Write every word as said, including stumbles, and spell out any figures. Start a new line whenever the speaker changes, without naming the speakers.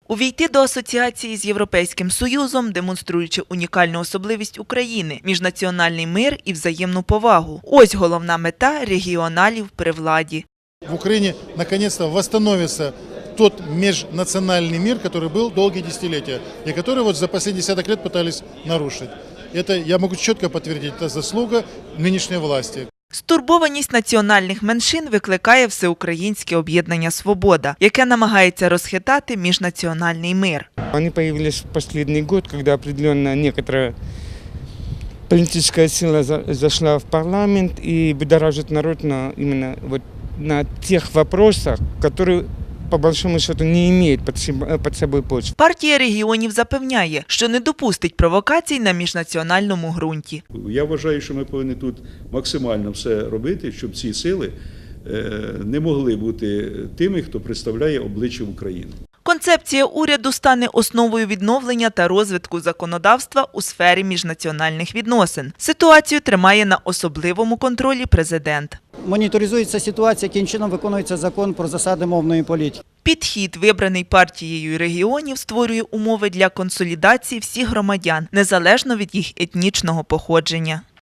Увійти до асоціації з Європейським Союзом, демонструючи унікальну особливість України, міжнаціональний мир і взаємну повагу. Ось головна мета регіоналів при владі.
В Украине наконец-то восстановится тот межнациональный мир, который был долгие десятилетия, и который вот за последние десяток лет пытались нарушить. Это, я могу четко подтвердить, это заслуга нынешней власти.
Стурбованість національних меншин викликає Всеукраїнське об'єднання «Свобода», яке намагається розхитати міжнаціональний мир.
Они появились в последний год, когда определенно некоторая политическая сила зашла в парламент и будоражит народ на, именно вот на тех вопросах, которые по большому счету не имеют під собою почвы.
Партія регіонів запевняє, що не допустить провокацій на міжнаціональному ґрунті.
Я вважаю, що ми повинні тут максимально все робити, щоб ці сили не могли бути тими, хто представляє обличчя України.
Концепція уряду стане основою відновлення та розвитку законодавства у сфері міжнаціональних відносин. Ситуацію тримає на особливому контролі президент.
Моніторизується ситуація, яким чином виконується закон про засади мовної політики.
Підхід, вибраний партією регіонів, створює умови для консолідації всіх громадян, незалежно від їх етнічного походження.